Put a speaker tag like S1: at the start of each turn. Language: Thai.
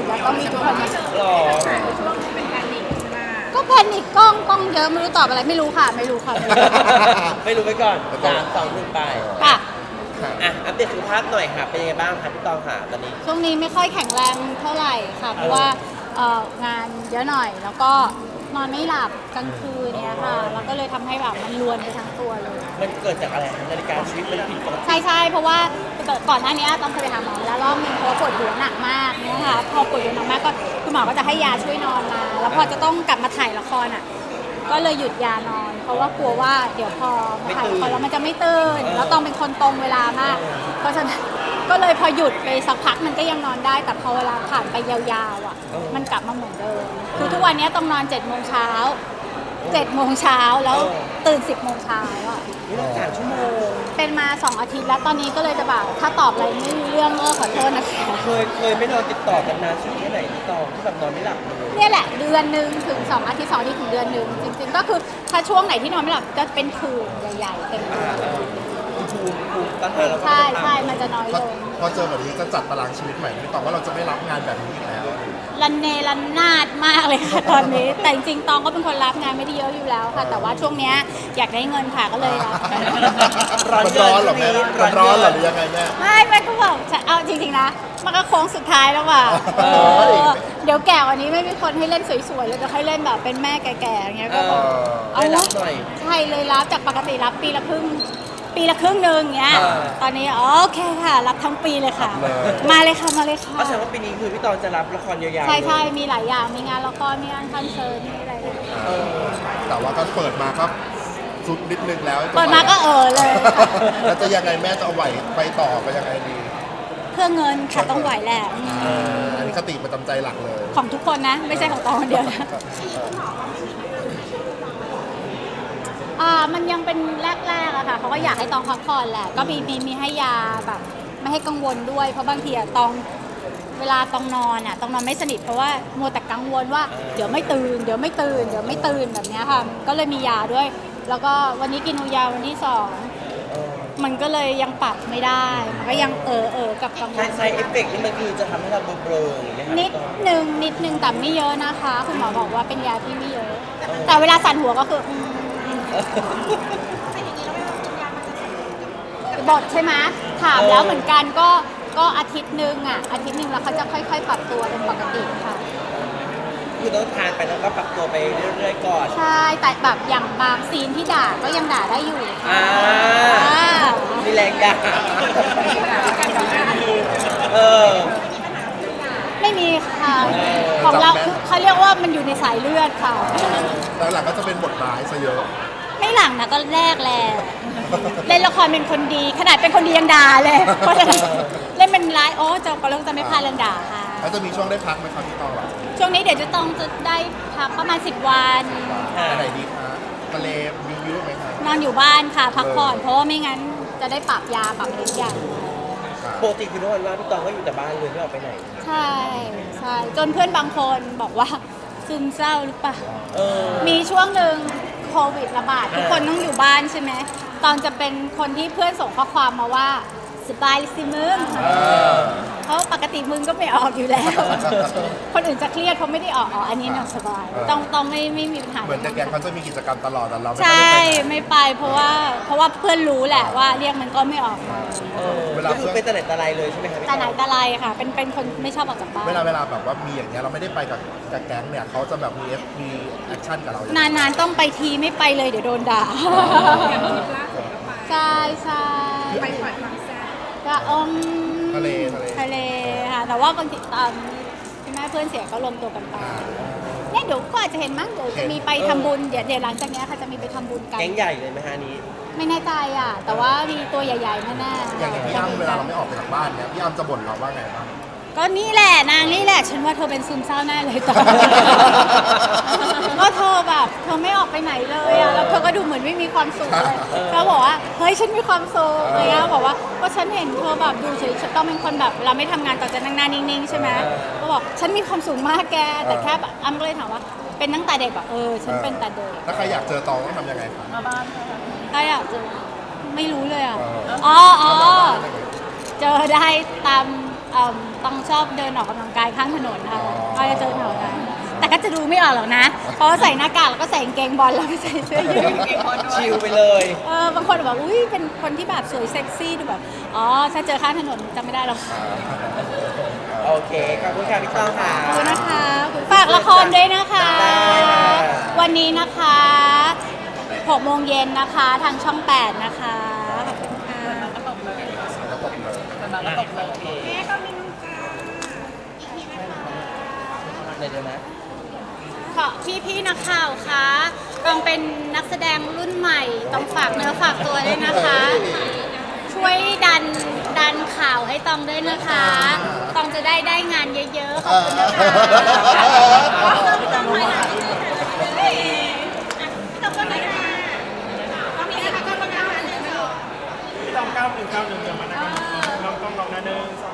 S1: กแล้วต้องมีทุกคนมา
S2: หรอ
S1: ก็แพนิคกล้องเยอะไม่รู้ตอบอะไรไม่รู้ค่ะไม่รู้ค่ะ
S2: ไม่รู้ไปก่อน3 2 1ไป
S1: ค่ะ
S2: อัปเดตสุขภาพหน่อยค่ะ เป็นยังไงบ้างคะพี่ตองค่ะตอนนี้
S1: ช่วงนี้ไม่ค่อยแข็งแรงเท่าไหร่ค่ะเพราะว่างานเยอะหน่อยแล้วก็นอนไม่หลับกลางคืนเนี่ยค่ะแล้วก็เลยทำให้แบบมันรวนไปทั้งตัวเลย
S2: มันเกิดจากอะไรคะนาฬิกาชีวิตมันผิดปกติ
S1: ใช่เพราะว่าก่อนหน้านี้ต้องเคยไปหาหมอมาแล้วรอบนึงเพราะว่าปวดหัวหนักมากเนี่ยค่ะพอปวดหัวหนักมากก็คุณหมอก็จะให้ยาช่วยนอนมา แล้วพอจะต้องกลับมาถ่ายละครอ่ะก็เลยหยุดยานอน เพราะว่ากลัวว่าเดี๋ยวพอมาถ่ายละครแล้วมันจะไม่ตื่นแล้วต้องเป็นคนตรงเวลามาก เพราะฉะนั้นก็เลยพอหยุดไปสักพักมันก็ยังนอนได้ แต่พอเวลาผ่านไปยาวๆอ่ะมันกลับมาเหมือนเดิมคือทุกวันนี้ต้องนอน7 โมงเช้าแล้วตื่น10 โมงเช้าอ่ะ
S2: นี่เรา3 ชั่วโมง
S1: เป็นมา2 อาทิตย์แล้วตอนนี้ก็เลยจะแบบถ้าตอบอะไรไม่รู้เรื่องก็ขอโทษนะคะ
S2: เคยไม่นอนติดต่อกันนานสุดแค่ไหนพี่ตองที่แบบนอนไม่หลับเลย
S1: เนี่ยแหละเดือนหนึ่งถึง2 อาทิตย์2 อาทิตย์ถึงเดือนหนึ่งจริงๆก็คือถ้าช่วงไหนที่นอนไม่หลับจะเป็นผื่นใหญ่ๆเต็มตัว
S2: ภูมิต้านทานเราก็
S1: ใช่มันจะน้อยลง
S3: พอเจอแบบนี้จะจัดตารางชีวิตใหม่ไม่ตอบว่าเราจะไม่รับงานแบบนี้อีกแล้ว
S1: รันเนรันนาดมากเลยค่ะตอนนี้แต่จริงๆตองก็เป็นคนรับงานไม่ได้เยอะอยู่แล้วค่ะ แต่ว่าช่วงเนี้ยอยากได้เงินค่ะก็เลยรับ
S3: มันร้อนเหรอแม่มันร้อนเหรอหรือยังไงแม่
S1: ไม่ก็บอกเอาจริงๆนะมันก็โค้งสุดท้ายแล้วว่ะเดี๋ยวแก่กว่านี้ไม่มีคนให้เล่นสวยๆเลยจะให้เล่นแบบเป็นแม่แก่ๆอย่างเงี้ยก็บอก
S2: ได้รับหน่อย
S1: ใช่เลยรับจากปกติรับปีละครึ่งหนึ่งเงี้ยตอนนี้โอเคค่ะ รับทั้งปีเลยค่ะ มาเลยค่ะ
S2: ก็แสดงว่าปีนี้คือพี่ตองจะรับละครยาวๆ
S1: ใช่มีหลายอย่างมีงานละครมีงานคอนเสิร์ตมีอะไรเลย
S3: แต่ว่าก็เปิดมาก็สุดนิดนึงแล้ว
S1: เปิดมาก็เลยค่ะ
S3: แล้วจะยังไงแม่จะเอาไหวไปต่อไปยังไงดี
S1: เพื่อเงินค่ะต้องไหวแหละ
S3: อันนี้คติประจำใจหลักเลย
S1: ของทุกคนนะไม่ใช่ของตองคนเดียวนะมันยังเป็นแรกๆอะค่ะเขาก็อยากให้ตองพักผ่อนแหละก็มีให้ยาแบบไม่ให้กังวลด้วยเพราะบางทีอะตองเวลาตองนอนอะตองนอนไม่สนิทเพราะว่ามัวแต่กังวลว่าเดี๋ยวไม่ตื่นแบบเนี้ยค่ะก็เลยมียาด้วย แล้วก็วันนี้กินยาวันที่2มันก็เลยยังปรับไม่ได้มันก็ยังกับกังวล
S2: ไซเอฟเฟกต์นี่มันคือจะทำให้เราเบลอๆอย่างเงี้ยค่ะ
S1: นิดนึงแต่ไม่เยอะนะคะคุณหมอบอกว่าเป็นยาที่ไม่เยอะ แต่เวลาสั่นหัวก็คือบทใช่ไหมถามแล้วเหมือนกันก็อาทิตย์หนึ่งแล้วเขาจะค่อยๆปรับตัวเป็นปกติค่ะ
S2: คือต้องทานไปแล้วก็ปรับตัวไปเรื่อยๆก่อน
S1: ใช่แต่แบบอย่างบางซีนที่ด่าก็ยังด่าได้อยู่
S2: มีแรงด่าเออ
S1: ไม่มีค่ะของเราคือเขาเรียกว่ามันอยู่ในสายเลือดค่ะ
S3: แล้วหลังก็จะเป็นบทร้ายซะเยอะ
S1: ไม่หลังนะก็แรกแหละเล่นละครเป็นคนดีขนาดเป็นคนดียังด่าเลยเพราะฉะนั้นเล่นเป็นร้ายก็เรื่องจะไม่พลาดเรื่องด่าค่ะ
S3: แล้วจะมีช่วงได้พักไหมครับพี่ตอง
S1: ช่วงนี้เดี๋ยวจะต้องจะได้พักประมาณ10 วัน
S3: ไปไหนดีคะทะเลวิวไหมคะ
S1: นอนอยู่บ้านค่ะพักผ่อนเพราะว่าไม่งั้นจะได้ปรับยาปรับทุกอย่าง
S2: ปกติคือทุกวันว่างพี่ตองก็อยู่แต่บ้านเลยไม่ออกไปไหน
S1: ใช่จนเพื่อนบางคนบอกว่าซึมเศร้าหรือเปล่ามีช่วงหนึ่งโควิดระบาดทุกคนต้องอยู่บ้านใช่ไหมตอนจะเป็นคนที่เพื่อนส่งข้อความมาว่าสบายสิมึงเพราะปกติมึงก็ไม่ออกอยู่แล้ว คนอื่นจะเครียดเพราะไม่ได้ออกอันนี้น่ะสบายต้องไม่มีปัญหา
S3: เหมือนแต่แกงเขาจะมีกิจกรรมตลอดแต่เราไม่
S1: ใช่
S3: ได้ไปไหน
S1: ไม่ไปเพราะว่าเพื่อนรู้แหละว่าเรียกมันก็ไม่ออกมา
S2: ก็คือเป็นแต่ไหนแต่ไรเลยใช่ไหมคะพี่ต
S1: แต่
S2: อง
S1: ไหนแต่ไรค่ะเป็นคนไม่ชอบออกจากบ้าน
S3: เวลาแบบว่ามีอย่างเงี้ยเราไม่ได้ไปกับแก๊งเนี่ยเขาจะแบบมีแอคชั่นกับเราอย่าง
S1: นานๆต้องไปทีไม่ไปเลยเดี๋ยวโดนด่าใช่ไปปล่อยความแซ่บก็
S3: ทะเล
S1: ค่ะแต่ว่าบางทีตอนที่แม่เพื่อนเสียก็รวมตัวกันไปเนี่ยเดี๋ยวก็อาจจะเห็นมั้งเดี๋ยวจะมีไปทำบุญเดี๋ยวหลังจากเนี้ยค่ะจะมีไปทำบุญกัน
S2: แก๊งใหญ่เลยไหมฮะนี้
S1: ไม่แน่ใจอ่ะแต่ว่ามีตัวใหญ่ๆแน่ๆ
S3: อย่างพี่อ้ำเวลาเราไม่ออกไปจากบ้านเนี่ยพี่อ้ำจะบ่นเราว่าไงบ้าง
S1: ก็นี่แหละนางนี่แหละฉันว่าเธอเป็นซึมเศร้าแน่เลยตอนก็เธอแบบเธอไม่ออกไปไหนเลยอะแล้วเธอก็ดูเหมือนไม่มีความสุขเลยเขาบอกว่าเฮ้ยฉันมีความสุขอะไรเงี้ยบอกว่าก็ฉันเห็นเธอแบบดูเฉยๆต้องเป็นคนแบบเราไม่ทำงานต่อจะนั่งหน้านิ่งๆใช่ไหมก็บอกฉันมีความสุขมากแกแต่แค่แบบอ้ำก็เลยถามว่าเป็นตั้งแต่เด็กแบบฉันเป็นแต่เด็ก
S3: ถ้าใครอยากเจอตองต้องทำยังไงคะ
S1: ถ้าอยากจะไม่รู้เลยอ่ะเจอได้ตามต้องชอบเดินออกกำลังกายข้างถนนค่ะก็จะเจอแถวนั้นแต่ก็จะดูไม่ออกหรอกนะ เพราะว่าใส่หน้ากากแล้วก็ใส่กางเกงบอลแล้วก็ใส่เสื้อยืด
S2: ชิลไปเลย
S1: บางคนแบบอุ้ยเป็นคนที่แบบสวยเซ็กซี่ดูแบบอ๋อถ้าเจอข้างถนนจำไม่ได้หรอก
S2: โอเค ขอบคุณค่ะพี่ต้องค่ะ
S1: ขอบคุณนะคะฝากละครด้วยนะคะ
S2: ได้ค่ะ
S1: วันนี้นะคะ6 โมงเย็นนะคะทางช่อง 8 นะคะขอบคุณค่ะ
S2: เดี๋ยวนะ
S1: ขอพี่นักข่าวคะต้องเป็นนักแสดงรุ่นใหม่ต้องฝากเนื้อฝากตัวด้วยนะคะ ช่วยดันข่าวให้ตองด้วยนะคะตองจะได้งานเยอะๆขอบคุณนะคะ พี่ตองก็ไหนค่ะต้องมีอะไรก็ต้องการ
S4: พี่ต้อง9191เดี๋ยวมานะครับต้องลองนะ1 2